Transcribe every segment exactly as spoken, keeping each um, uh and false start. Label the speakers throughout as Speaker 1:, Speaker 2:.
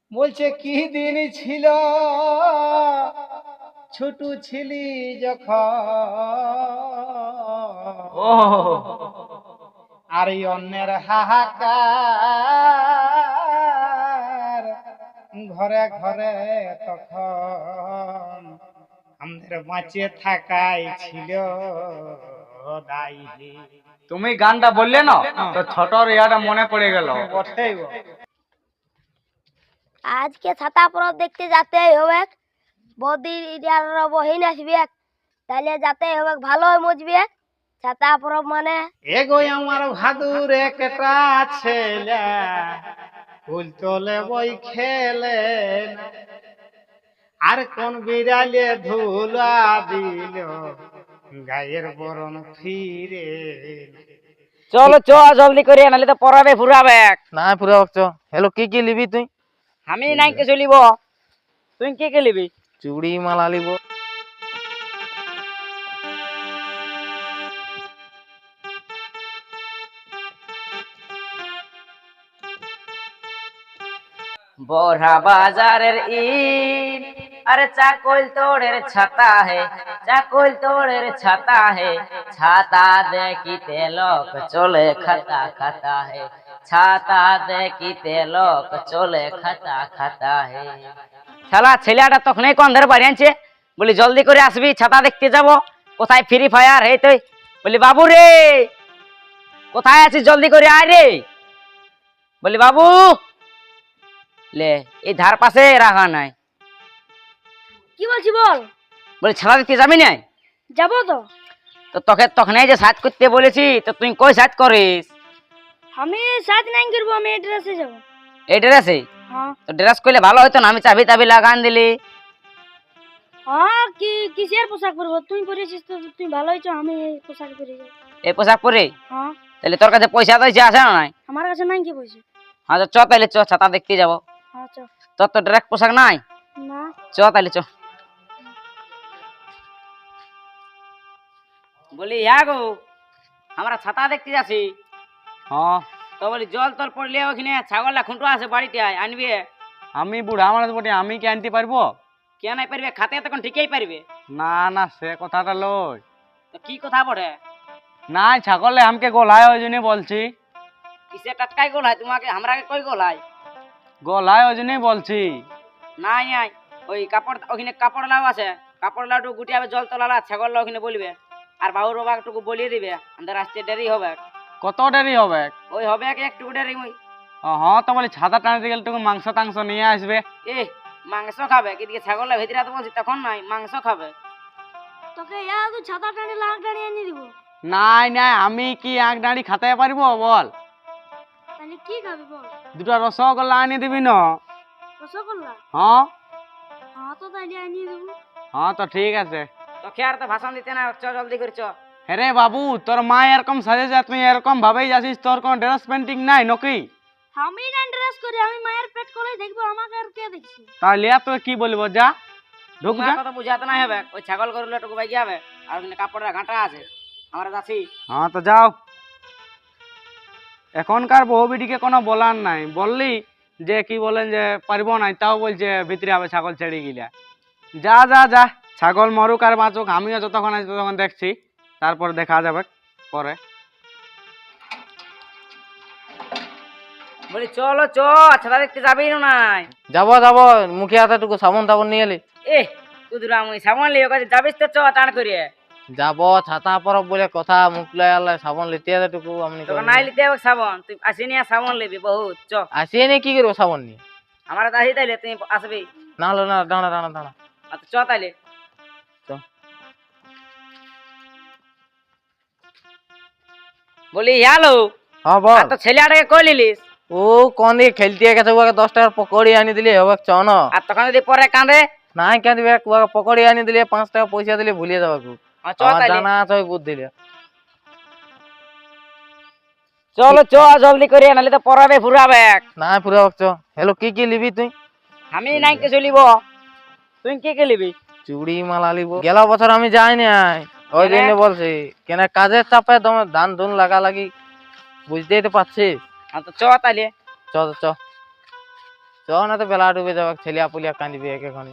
Speaker 1: বলছে কি দিন ছিল ছোট ছিলি যখন
Speaker 2: ও
Speaker 1: আর এই অন্যের হাহাকার ঘরে ঘরে তখন আমাদের বাঁচিয়ে থাকাই ছিল দায়ী।
Speaker 2: তুমি গানটা বললে না তো ছোটর ইয়াটা মনে পড়ে গেল।
Speaker 1: বটেই গো।
Speaker 3: আজকে ছাতা পরব দেখতে যেতেই হবে। বদির বহিন আসবে, তাহলে যেতেই হবে, ভালো মজবে। ছাতা পরব মানে
Speaker 1: এগো আমার ভাদুর একটা ছেলে ফুল তোলে বই খেলে না। আর কোন বিড়ালে ধুলা দিল গায়ের বরণ ফিরে না।
Speaker 4: চলো চ জলদি করে, নাহলে তো পড়াবে ফুরাবে।
Speaker 5: না পুরা চ। হ্যালো কি কি লিবি তুই?
Speaker 4: আমি নাই কে চলিব, তুই কে কে লিবি?
Speaker 5: চুড়ি মালা লিব।
Speaker 4: বড়া বাজারের ইট, আরে চাকল তোড়ের ছাতা হে, চাকল তোড়ের ছাতা হে, ছাতা দেখিতে লোক চলে খাতা খাতা হে, ছাতা দেখিতে লোক চলে খাতা খাতা হে। শালা ছেলেটা তখনই কোন ধরে বাড়ি আনছে, বলি জলদি করে আসবি, ছাতা দেখতে যাব। কোথায় ফ্রি ফায়ার হে তুই? বলি বাবু রে কোথায় আছিস, জলদি করে আয় রে। বলি বাবু লে এই ধার পাশে রাখা নাই।
Speaker 3: কি বলছি বল।
Speaker 4: বলি ছাতা দেখতে যাবি না?
Speaker 3: যাবো তো।
Speaker 4: তো তোকে তখনই যে সাজ করতে বলেছি, তো তুই কই সাজ করিস?
Speaker 3: আমি সাজ নাই করবো, আমি এই ড্রেসে যাবো।
Speaker 4: এই ড্রেসে?
Speaker 3: হ্যাঁ
Speaker 4: তো ড্রেস করলে ভালো হতো না, আমি চাবি টাবি লাগান দিলি।
Speaker 3: হ্যাঁ কি কিসের পোশাক পরবো? তুই পরেছিস তো তুই ভালো হয়েছ, আমি এই পোশাক পরে যাবো।
Speaker 4: এই পোশাক পরে?
Speaker 3: হ্যাঁ
Speaker 4: তাহলে তোর কাছে পয়সা তো আছে না নাই?
Speaker 3: আমার কাছে নাই কি পয়সা।
Speaker 4: হ্যাঁ তো চ তাহলে, চ ছাতা দেখতে যাবো।
Speaker 3: হ্যাঁ চ।
Speaker 4: তোর তো ড্রেস পোশাক নাই?
Speaker 3: না
Speaker 4: চ তাহলে চ। বলি হ্যাঁ গো, আমরা ছাতা দেখতে যাচ্ছি।
Speaker 2: হ্যাঁ
Speaker 4: তো বলি জল তল পড়লে ওখানে ছাগলটা খুঁটো আছে বাড়িতে, আনবে।
Speaker 2: আমি বুড়া মানুষ বটে, আমি কি আনতে পারবো?
Speaker 4: কে নাই পারবে? খাতে তখন ঠিকই পারবে।
Speaker 2: না না সে কথাটা লই।
Speaker 4: তো কি কথা বটে?
Speaker 2: নাই ছাগলে আমাকে গোলায় ওই জন্যই বলছি।
Speaker 4: কিসে টাটকাই গোল হয় তোমাকে, আমরাকে কই গোল হয়?
Speaker 2: গোলায় ওই জন্যই বলছি।
Speaker 4: নাই নাই, ওই কাপড় ওখানে কাপড় লাউ আছে, কাপড় লাউটু গুটিয়াবে জল তোলালা, ছাগল লাউ ওখানে বলবে। আর বাবুর বাবাটুকু বলিয়ে দিবে, আমাদের আসতে দেরি হবে।
Speaker 2: কত দেরি হবে?
Speaker 4: ওই হবে একটু দেরি। ওই
Speaker 2: ও হ্যাঁ তো বলি ছাতা টানতে গেলে টুকু মাংস টাংস নিয়ে আসবে।
Speaker 4: এ মাংস খাবে কিদিকে? ছাগল ভেতরে তো বলছি তখন নাই, মাংস খাবে।
Speaker 3: তোকে ইয়া তুই ছাতা টানি লাগ টানি এনে দিব।
Speaker 2: নাই নাই, আমি কি এক দাঁড়ি খাতে পারবো বল?
Speaker 3: তাহলে কি খাবি বল?
Speaker 2: দুটা রসগোল্লা আনিয়ে দিবি না?
Speaker 3: রসগোল্লা?
Speaker 2: হ্যাঁ
Speaker 3: হ্যাঁ তো তাহলে এনে দেবো।
Speaker 2: হ্যাঁ তো ঠিক আছে।
Speaker 4: তো খেয়ার তো ভাষণ দিতে না, চ জলদি করে চ।
Speaker 2: হ্যাঁ বাবু, তোর মা এরকম সাজেছে, তুই এরকম ভাবেই যাচ্ছিস, তোর কোনো ড্রেস পেন্টিং নাই নাকি?
Speaker 3: আমি না ড্রেস করি, আমি মায়ের পেট করে দেখবো, আমাকে আর কে দেখছি?
Speaker 2: তাহলে আর তুই কি বলবো, যা ঢুক যা।
Speaker 4: তোমার কথা বুঝাতে নাই হবে, ওই ছাগল গরুলে টুকু বাইকে হবে, আর ওখানে কাপড়ের ঘাঁটা আছে, আমরা যাচ্ছি।
Speaker 2: হ্যাঁ তো যাও। এখনকার বউ বিটিকে কোনো বলার নাই, বললি যে কি বলেন যে পারবো নাই, তাও বলছে ভিতরে হবে ছাগল ছেড়ে গিলা। যা যা যা, ছাগল মরুক আর বাঁচুক, আমিও যতক্ষণ আছি ততক্ষণ দেখছি, তারপর দেখা যাবে পরে।
Speaker 4: বলি চলো চ, ছাতা দেখতে যাবি না নাই?
Speaker 5: যাবো যাবো, মুখে হাতে টুকু সাবন টাবন নিয়ে এলি।
Speaker 4: এ তুই আমি সামান লিয়ে কাছে যাবিস তো চ টান করিয়ে।
Speaker 5: যাবো ছাতা পরব বলে কথা, মুখ লাই সাবন লিতে হাতে টুকু আমি
Speaker 4: তোকে নাই লিতে হবে সাবন, তুই আসি নিয়ে সাবন লিবি বহুত। চ
Speaker 5: আসিয়ে নিয়ে কি করবো সাবন নিয়ে?
Speaker 4: আমার আসি তাইলে তুই আসবি।
Speaker 5: না হলো না, দাঁড়া দাঁড়া দাঁড়া।
Speaker 4: আচ্ছা চ তাইলে।
Speaker 5: চ।
Speaker 4: বলি হ্যালো,
Speaker 5: হ্যাঁ বল।
Speaker 4: তো ছেলেটাকে কই লিলিস?
Speaker 5: ও কোন দিকে খেলতে গেছে, ওকে দশ টাকার পকড়ি আনি দিলে হবে চ না?
Speaker 4: আর তখন যদি পরে কাঁদে?
Speaker 5: নাই কেন দিবে, ওকে পকড়ি আনি দিলে পাঁচ টাকা পয়সা দিলে ভুলিয়ে যাবে।
Speaker 4: হ্যাঁ, চ
Speaker 5: আমার
Speaker 4: তাইলে।
Speaker 5: জানা আছে ওই বুদ্ধি দিলে।
Speaker 4: চলো চ জলদি করে, নাহলে তো পড়াবে ফুরাবে।
Speaker 5: না পুরা চ। হ্যালো কি কি লিবি তুই?
Speaker 4: আমি নাই কে চলিব, তুই কে কে লিবি?
Speaker 5: চুড়ি মালা লিব। গেল বছর আমি যাই নাই, ওই জন্য বলছি কেন কাজের চাপে তোমার ধান ধুন লাগা লাগি, বুঝতেই তো পারছিস।
Speaker 4: হ্যাঁ তো চ তাইলে।
Speaker 5: চ চ। চ না তো বেলা ডুবে যাবে, ছেলিয়া পুলিয়া কাঁদিবে একেখানি।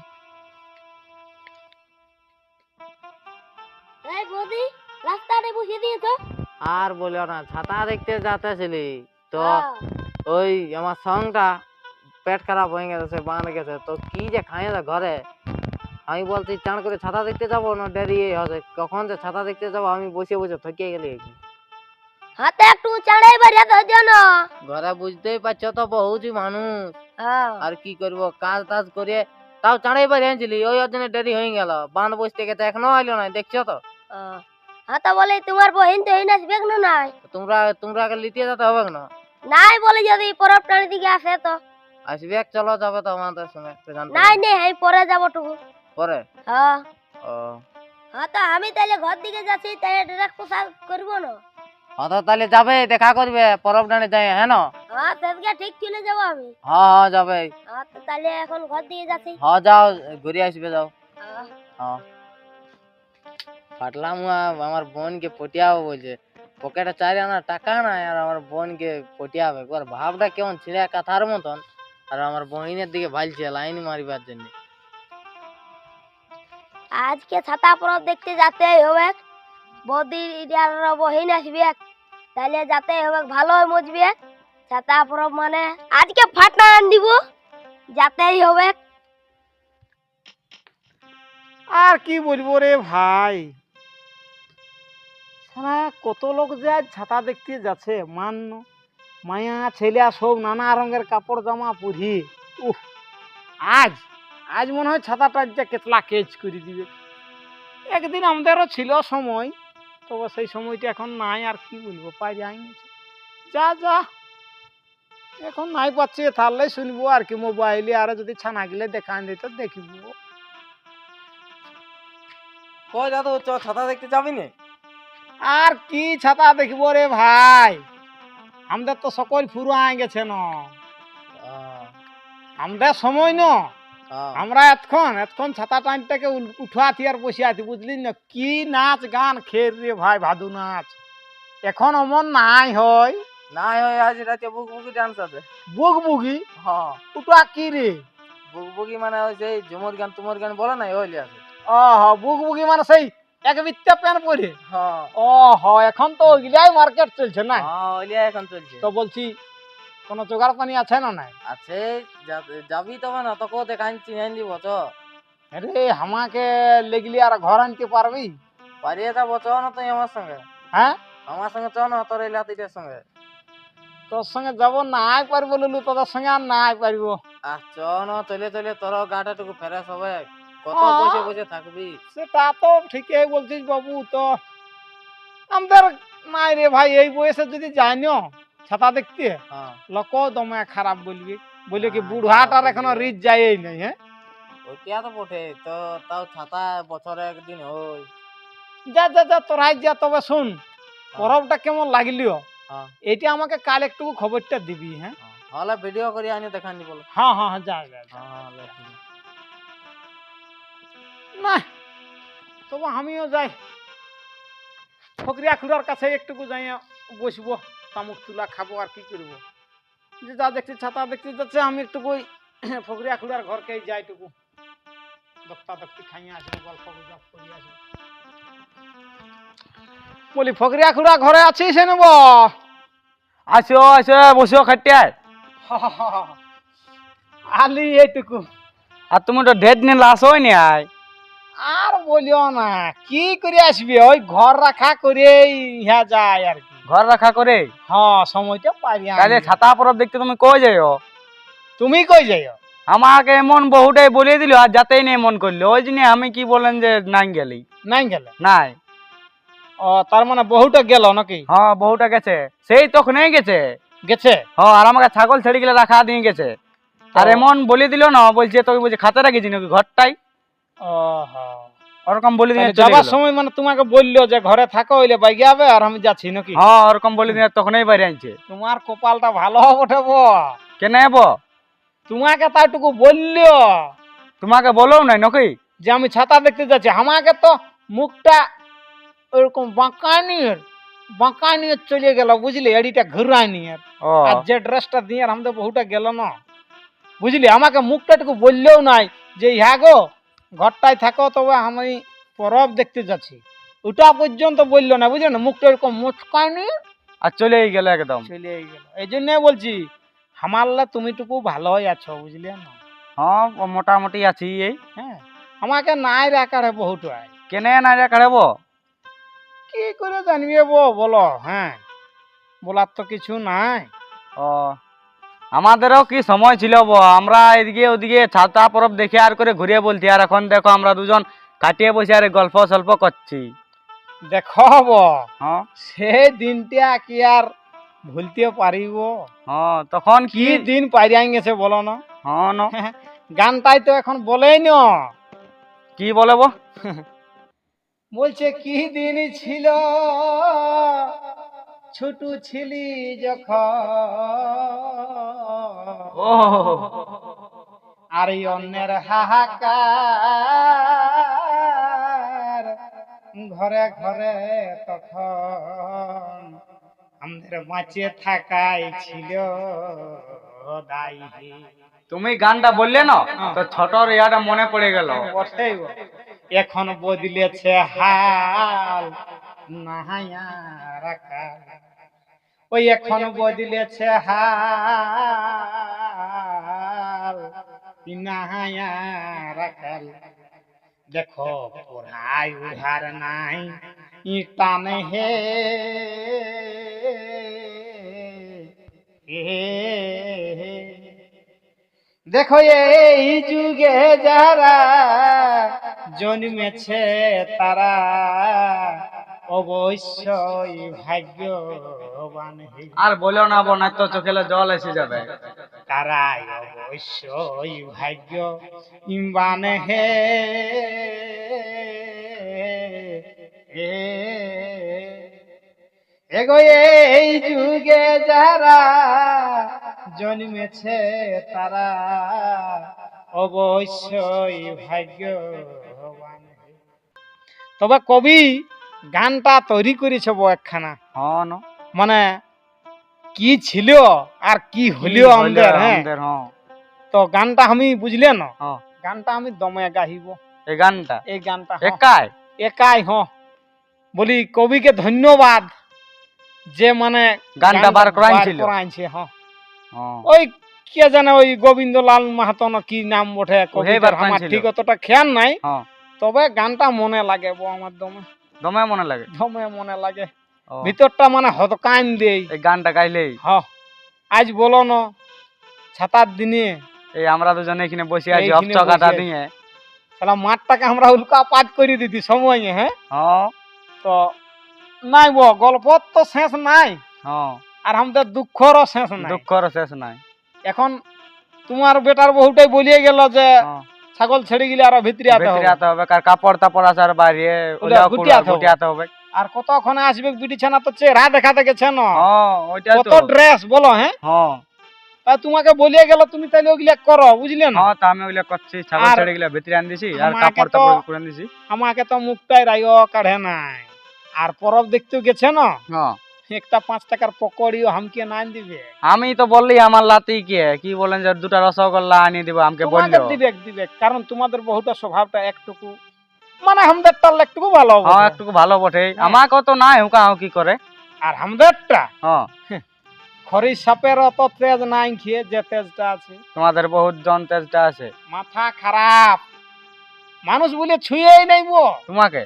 Speaker 3: এই বৌদি রাস্তাতে বসিয়ে দিয়েছো?
Speaker 5: আর বলিও না, ছাতা দেখতে যাতেছিলি তো
Speaker 3: হ্যাঁ।
Speaker 5: ওই আমার সঙ্গটা পেট খারাপ হয়ে গেছে, বাঁধ গেছে, তো কি যে খাই না ঘরে। আমি বলছি চান করে ছাতা দেখতে যাবো না, দেরি হবে, কখন যে ছাতা দেখতে যাবো, আমি বসে বসে থকিয়ে গেলি।
Speaker 3: হাতে একটু চাড়াই বাড়িয়ে তো জানো।
Speaker 5: ঘরে বুঝতেই পারছো তো বহুতই মানুষ,
Speaker 3: হ্যাঁ।
Speaker 5: আর কি করবো, কাজ টাজ করে তাও চাঁড়াই বাড়ি আনছিলি, ওই জন্য দেরি হয়ে গেল। বাঁধ বসতে গেছে, এখনো আইলো না, দেখছো তো।
Speaker 3: আহ, হ্যাঁ তো বলে তোমার বহিন তো এই আসবে না নাই?
Speaker 5: তোমরা তোমরা আগে লিতে যেতে হবে না?
Speaker 3: নাই বলে যদি পরব টানি দিকে আসে তো
Speaker 5: আসবে, চলো যাবে তো আমাদের সঙ্গে একটু জানতে
Speaker 3: নাই নেই, আমি পরে যাবো টুকু।
Speaker 5: পরে।
Speaker 3: হ্যাঁ।
Speaker 5: ও
Speaker 3: হ্যাঁ তো আমি তাহলে ঘর দিকে যাচ্ছি, তাহলে ড্রেস পোশাক করবো না।
Speaker 5: অত তাহলে যাবে, দেখা করবে পরব ডানে যাই, হ্যাঁ না?
Speaker 3: হ্যাঁ সেদিকে ঠিক চলে যাবো আমি।
Speaker 5: হ্যাঁ হ্যাঁ যাবে।
Speaker 3: হ্যাঁ তো তাহলে এখন ঘর দিকে যাচ্ছি।
Speaker 5: হ্যাঁ যাও, ঘুরে আসবে, যাও।
Speaker 3: হ্যাঁ।
Speaker 5: হ্যাঁ পাটলাম, আমার বোনকে পটিয়াবো বলছে, পকেটে চারি আনা টাকা নাই, আর আমার বোনকে পটিয়াবে। একবার ভাবটা কেমন ছিঁড়ে কাথার মতন, আর আমার বহিনের দিকে ভালছে লাইন মারিবার জন্য।
Speaker 3: আজকে ছাতা পরব দেখতে যেতে হবে, বৌদির বহিন আসবে, তাহলে যাতে হবে ভালো মজবে। ছাতা পরব মানে আজকে ফাটা আন দিব, যাতেই হবে।
Speaker 1: আর কি বলবো রে ভাই, সারা কত লোক যে আজ ছাতা দেখতে যাচ্ছে, মান্য মায়া ছেলে সব নানা রঙের কাপড় জামা পরি। উহ, আজ আজ মনে হয় ছাতাটা যে কেতলা কেচ করে দিবে। একদিন আমাদেরও ছিল সময়, তবে সেই সময়টা এখন নাই। আর কি বলবো, পাই যাই গেছে। যা যা এখন নাই পাচ্ছি, তাহলে শুনবো আর কি মোবাইলে, আর যদি ছানা গেলে দেখান দিত দেখিব।
Speaker 5: কই দাদু, চ ছাতা দেখতে যাবি না?
Speaker 1: আর কি ছাতা দেখবো রে ভাই, আমাদের তো সকল ফুরো আয় গেছে ন, আমাদের সময় ন। আমরা এতক্ষণ এতক্ষণ ছাতা টাইমটাকে উঠাতি আর বসে আছি, বুঝলি না? কি নাচ গান খের রে ভাই, ভাদু নাচ এখন অমন নাই হয়।
Speaker 5: নাই হয়, আজ রাতে বুক বুকি ডান্স আছে।
Speaker 1: বুক বুগি?
Speaker 5: হ্যাঁ
Speaker 1: ওটা কি রে?
Speaker 5: বুক বুকি মানে ওই যে ঝুমুর গান তুমুর গান বলে না, ওইলি আছে।
Speaker 1: ও হ, বুক বুগি মানে সেই এক বিত্তা প্যান পরে।
Speaker 5: হ্যাঁ
Speaker 1: ও হ, এখন তো ওইগুলাই মার্কেট চলছে না?
Speaker 5: হ্যাঁ ওইলি এখন চলছে।
Speaker 1: তো বলছি কোন জোগাড় পানি আছে না নাই?
Speaker 5: আছে, যা- যাবি তবে না তোকে দেখাচ্ছি, চিনাই দিব তো।
Speaker 1: আরে আমাকে লেগলি আর ঘর আনতে পারবি?
Speaker 5: পারিয়ে যাবো, চ না তুই আমার সঙ্গে।
Speaker 1: হ্যাঁ
Speaker 5: আমার সঙ্গে চ না, তোর এই লাতিটার সঙ্গে।
Speaker 1: তোর সঙ্গে যাবো, নাই পারবো লুলু, তোদের সঙ্গে আর নাই পারবো।
Speaker 5: আহ চ না, চলে চলে তোর গাটা টুকু ফেরেস হবে, কত
Speaker 1: হ্যাঁ।
Speaker 5: বসে বসে থাকবি।
Speaker 1: সেটা তো ঠিকই বলছিস বাবু, তো আমাদের নাই রে ভাই, এই বয়সে যদি যাই না ছাতা দেখতে,
Speaker 5: হ্যাঁ
Speaker 1: লোক দমে খারাপ বলবি, বলে কি
Speaker 5: হ্যাঁ,
Speaker 1: বুড়াটার
Speaker 5: খারাপ
Speaker 1: এখনো
Speaker 5: বলবে।
Speaker 1: রিচ যায়ই নাই। হ্যাঁ
Speaker 5: ওইটা তো বটে, তো তাও ছাতা বছরে একদিন হই।
Speaker 1: যা যা যা তোরাই যা, তবে শুন পরবটা কেমন লাগলিও
Speaker 5: হ্যাঁ
Speaker 1: এইটা আমাকে কাল একটু খবরটা দিবি। হ্যাঁ
Speaker 5: হ্যাঁ, হলে ভিডিও করে আনি দেখান দি বলো।
Speaker 1: হ্যাঁ হ্যাঁ হ্যাঁ, যা যা যা।
Speaker 5: হ্যাঁ হলে ঠিক আছে।
Speaker 1: না তবে আমিও যাই, ফকরিয়া খুড়ার কাছে একটুকু যাই বসবো, তামুক তুলা খাবো, আর কি করবো। যে যা দেখছি ছাতা দেখতে যাচ্ছে, আমি একটু ওই ফকরিয়া খুড়ার ঘরকে যাইটুকু দক্তা দক্তি খাইয়ে আসবো, গল্প গুজব করি আসবো। বলি ফকরিয়া খুড়া ঘরে আছিস? নেব
Speaker 2: আসো আসো, বসো খাটিয়ায়।
Speaker 1: আলি এইটুকু।
Speaker 2: আর তুমি তো ঢের দিন আসোই নি। আয়
Speaker 1: আর বলিও না, কি করে আসবি, ওই ঘর রাখা করে ইহা যায় আর কি।
Speaker 2: ঘর রাখা করে
Speaker 1: হ্যাঁ সময়টা পারি।
Speaker 2: তাহলে ছাতা পরব দেখতে তুমি কই যাইও?
Speaker 1: তুমি কই যাইও?
Speaker 2: আমাকে এমন বহুটাই বলিয়ে দিল, আর যাতেই নেই মন করলো, ওই জন্য আমি কি বলেন যে নাই গেলি।
Speaker 1: নাই গেলে?
Speaker 2: নাই।
Speaker 1: ও তার মানে বহুটা গেল নাকি?
Speaker 2: হ্যাঁ বহুটা গেছে, সেই তখনই গেছে।
Speaker 1: গেছে?
Speaker 2: হ্যাঁ, আর আমাকে ছাগল ছেড়ে গেলে রাখা দিয়ে গেছে। আর এমন বলে দিল না, বলছে তোকে বলছে খাতে রাখিছি নাকি ঘরটাই,
Speaker 1: ও হ্যাঁ,
Speaker 2: ওরকম বলে দিয়ে চলে
Speaker 1: যাবার
Speaker 2: গেল।
Speaker 1: সময় মানে তোমাকে বললো যে ঘরে থাকো, হইলে বাইকে যাবে আর আমি যাচ্ছি নাকি?
Speaker 2: হ্যাঁ ওরকম বলে দিয়ে তখনই বাইরে আনছে।
Speaker 1: তোমার কপালটা ভালো বটে বো,
Speaker 2: কেন এব?
Speaker 1: তোমাকে তাইটুকু বললো
Speaker 2: তোমাকে বলো নাই নাকি
Speaker 1: যে আমি ছাতা দেখতে যাচ্ছি। আমাকে তো মুখটা ওরকম বাঁকা নিয়ে বাঁকা নিয়ে চলে গেল, বুঝলি, এডিটা ঘুরাই নিয়ে।
Speaker 2: ও
Speaker 1: আর যে ড্রেসটা দিয়ে আমাদের বহুটা গেল না, বুঝলি, আমাকে মুখটা একটু বললেও নাই যে হ্যাঁ গো ঘরটায় থাকো, তবে আমি পরব দেখতে যাচ্ছি, ওটা পর্যন্ত বললো না, বুঝলি না, মুখটা এরকম মুচকায়নি,
Speaker 2: আর চলেই গেল একদম।
Speaker 1: চলে গেল। এই জন্যই বলছি হামারলা তুমিটুকু ভালোই আছো, বুঝলি না।
Speaker 2: হ্যাঁ ও মোটামুটি আছি এই।
Speaker 1: হ্যাঁ, আমাকে নাই রাখারে বহুত হয়,
Speaker 2: কেনে না রে কাড়ব?
Speaker 1: কি করে জানবে বো বলো? হ্যাঁ, বলার তো কিছু নাই।
Speaker 2: ও আমাদেরও কি সময় ছিল বো, আমরা এদিকে ওদিকে ছাতা পরব দেখে আর করে ঘুরিয়ে বলছি, আর এখন দেখো আমরা দুজন কাটিয়ে বসে আর গল্প সল্প করছি।
Speaker 1: দেখো বো,
Speaker 2: হ্যাঁ
Speaker 1: সে দিনটা কি আর ভুলতে পারিব?
Speaker 2: হ্যাঁ তখন
Speaker 1: কি
Speaker 2: কি
Speaker 1: দিন পাইরিয়া গেছে বলো না।
Speaker 2: হ্যাঁ ন
Speaker 1: গানটাই তো এখন বলেই না,
Speaker 2: কি বলে বো?
Speaker 1: বলছে কি দিন ছিল ছোট ছিলি যখন,
Speaker 2: ও
Speaker 1: আর এই অন্যের হাহাকার ঘরে ঘরে তখন আমাদের বাঁচে থাকাই ছিল দায়ী।
Speaker 2: তুমি গানটা বললে না তো ছোটর ইয়াটা মনে পড়ে গেল।
Speaker 1: বটেই গো। এখন বদলেছে হাল নাহায়া রাখা, ওই এখন বদলেছে হাল নাহায়া রাখাল। দেখো পড়াই উধার নাই টানে হে দেখো এই যুগে যারা জন্মেছে তারা অবশ্যই ভাগ্যবান হে,
Speaker 2: আর বলো না বোন, তো চোখেলে জল এসে যাবে।
Speaker 1: তারাই অবশ্যই ভাগ্যবান হে। এগো এই যুগে যারা জন্মেছে তারা অবশ্যই ভাগ্যবান। তবে কবি গানটা তৈরি করেছে বো একখানা,
Speaker 2: হ্যাঁ ন
Speaker 1: মানে কি ছিল আর কি হলিও আমাদের। হ্যাঁ,
Speaker 2: আমাদের হ্যাঁ
Speaker 1: তো গানটা আমি বুঝলে না,
Speaker 2: হ্যাঁ
Speaker 1: গানটা আমি দমে গাহিব।
Speaker 2: এই গানটা
Speaker 1: এই গানটা হ্যাঁ,
Speaker 2: একাই
Speaker 1: একাই হ বলি কবিকে ধন্যবাদ যে মানে
Speaker 2: গানটা বার করাইছিল।
Speaker 1: করাইছে। হ্যাঁ,
Speaker 2: হ্যাঁ
Speaker 1: ওই কে জানে ওই গোবিন্দলাল মাহাতো না কি নাম বটে কবিতার,
Speaker 2: বার
Speaker 1: আমার
Speaker 2: করাইছিল।
Speaker 1: ঠিক অতটা খেয়াল নাই,
Speaker 2: হ্যাঁ
Speaker 1: তবে গানটা মনে লাগে বো আমার দমে,
Speaker 2: দমে মনে লাগে।
Speaker 1: দমে মনে লাগে,
Speaker 2: ও,
Speaker 1: ভিতরটা মানে হদকান দেই।
Speaker 2: এই গানটা গাইলেই
Speaker 1: হ, আজ বলো না ছাতার দিনে
Speaker 2: এই আমরা দুজনে এখানে বসে আছি
Speaker 1: এইখানে
Speaker 2: অপচকাটা
Speaker 1: বসে আছি।
Speaker 2: দিয়ে।
Speaker 1: তাহলে মাঠটাকে আমরা উল্কা পাত করে দিতি সময়ে। হ্যাঁ,
Speaker 2: হ্যাঁ
Speaker 1: তো নাই বো, গল্প তো শেষ নাই,
Speaker 2: হ্যাঁ
Speaker 1: আর আমাদের দুঃখরও শেষ নাই।
Speaker 2: দুঃখর শেষ নাই।
Speaker 1: এখন তোমার বেটার বহুটাই বলিয়ে গেল যে
Speaker 2: হ্যাঁ
Speaker 1: ছাগল ছেড়ে গেলে আরো ভিতরে আতে
Speaker 2: ভিতরে
Speaker 1: হবে,
Speaker 2: আতে হবে, কার কাপড় তাপড় আছে আর বাইরে
Speaker 1: ওটা
Speaker 2: ওলাও
Speaker 1: গুটিয়াতে হবে।
Speaker 2: গুটিয়াতে হবে।
Speaker 1: আর কতক্ষণে আসবে বিটিছানা তো চেহারা দেখাতে গেছে না,
Speaker 2: হ্যাঁ ওইটাই
Speaker 1: কত
Speaker 2: তো।
Speaker 1: ড্রেস বলো। হ্যাঁ,
Speaker 2: হ্যাঁ
Speaker 1: তাই তোমাকে বলিয়ে গেল তুমি তাহলে ওগুলা করো, বুঝলে না।
Speaker 2: হ্যাঁ তা আমি ওগুলা করছি, ছাগল
Speaker 1: আর
Speaker 2: ছেড়ে গেলে ভিতরে আন দিছি আর
Speaker 1: আমাকে
Speaker 2: কাপড়
Speaker 1: তো-
Speaker 2: তাপড় করে দিছি।
Speaker 1: আমাকে তো মুখটাই রাইও কাঢ়ে নাই, আর পরব দেখতেও গেছে না,
Speaker 2: হ্যাঁ
Speaker 1: একটা পাঁচ টাকার পকড়িও হামকে নাই দিবে।
Speaker 2: আমি তো বললি আমার লাতি কে কি বলেন যে দুটা রসগোল্লা আনিয়ে দিব আমাকে
Speaker 1: তোমাকে
Speaker 2: বললো।
Speaker 1: দিবে দিবে, কারণ তোমাদের বহুটা স্বভাবটা একটুকু মানে আমাদেরটা একটুকু ভালো
Speaker 2: হ্যাঁ
Speaker 1: বটে।
Speaker 2: একটু ভালো বটে,
Speaker 1: হ্যাঁ।
Speaker 2: আমাকে তো নাই হুকা হুকি করে।
Speaker 1: আর আমাদেরটা
Speaker 2: হ্যাঁ
Speaker 1: খরি সাপের অত তেজ নাই খেয়ে যে তেজটা আছে,
Speaker 2: তোমাদের বহুত জন তেজটা আছে।
Speaker 1: মাথা খারাপ মানুষ বলে ছুঁয়েই নাই বো।
Speaker 2: তোমাকে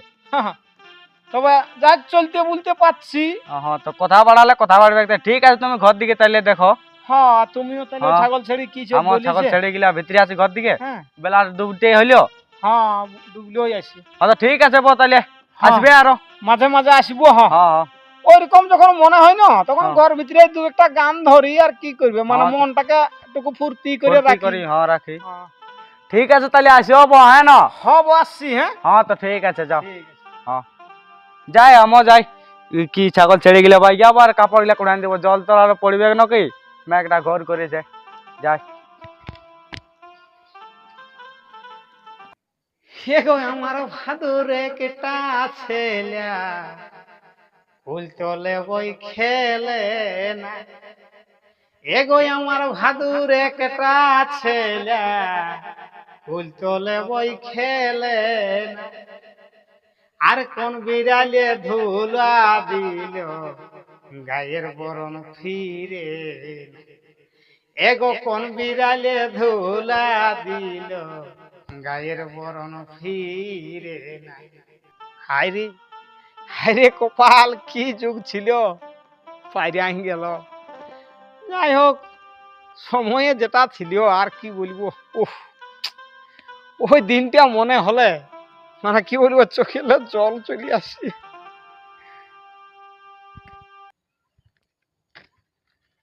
Speaker 1: তবে যা চলতে বলতে পারছি।
Speaker 2: হ্যাঁ তো কথা বাড়ালে কথা বাড়বে একটা। ঠিক আছে তুমি ঘর দিকে তাইলে দেখো।
Speaker 1: হ্যাঁ, আর তুমিও তাহলে
Speaker 2: হ্যাঁ।
Speaker 1: ছাগল ছেড়ে কি
Speaker 2: আমার ছাগল ছেড়ে গেলে ভিতরে আছি ঘর দিকে,
Speaker 1: হ্যাঁ
Speaker 2: বেলা ডুবতে হইলো।
Speaker 1: হ্যাঁ, ডুবলেই আসি।
Speaker 2: আচ্ছা ঠিক আছে বো তাইলে
Speaker 1: হ্যাঁ।
Speaker 2: আসবে আরো
Speaker 1: মাঝে মাঝে আসবো। হ্যাঁ,
Speaker 2: হ্যাঁ হ্যাঁ
Speaker 1: ওইরকম যখন মনে হয় না তখন
Speaker 2: হ্যাঁ।
Speaker 1: ঘর ভিতরে দু একটা গান ধরি, আর কি করবে মানে
Speaker 2: হ্যাঁ।
Speaker 1: মনটাকে একটু ফুর্তি করে
Speaker 2: ফুর্তি
Speaker 1: রাখি।
Speaker 2: করি, হ্যাঁ রাখি।
Speaker 1: হ্যাঁ।
Speaker 2: ঠিক আছে তাহলে আসিও বো, হ্যাঁ না?
Speaker 1: হব আসছি। হ্যাঁ,
Speaker 2: হ্যাঁ তো ঠিক আছে যাও।
Speaker 1: ঠিক আছে।
Speaker 2: হ্যাঁ যাই আমও যাই। ই কি ছাগল ছেড়ে গেলে ভাই আবার কাপড় গুলা কোড়ান দিব, জল তো আরো পড়বে নাকি, মেঘটা ঘর করেছে। যাই।
Speaker 1: হেগো আমার ভাদুরে কেটা ছেলা ফুল তোলে বই খেলে না, এগো আমার ভাদুর একটা ছেলে ফুল তোলে বই খেলে না। আর কোন বিড়ালে ধুলা দিল গায়ের বরণ ফিরে না। এগো কোন বিড়ালে ধুলা দিল গায়ের বরণ ফিরে না। হায়রে হায়রে কপাল, কি যুগ ছিল, পাইরে গেল। যাই হোক, সময়ে যেটা ছিল আর কি বলবো। উফ, ওই দিনটা মনে হলে মানে কি বলবো, চোখে জল চলে আসছে।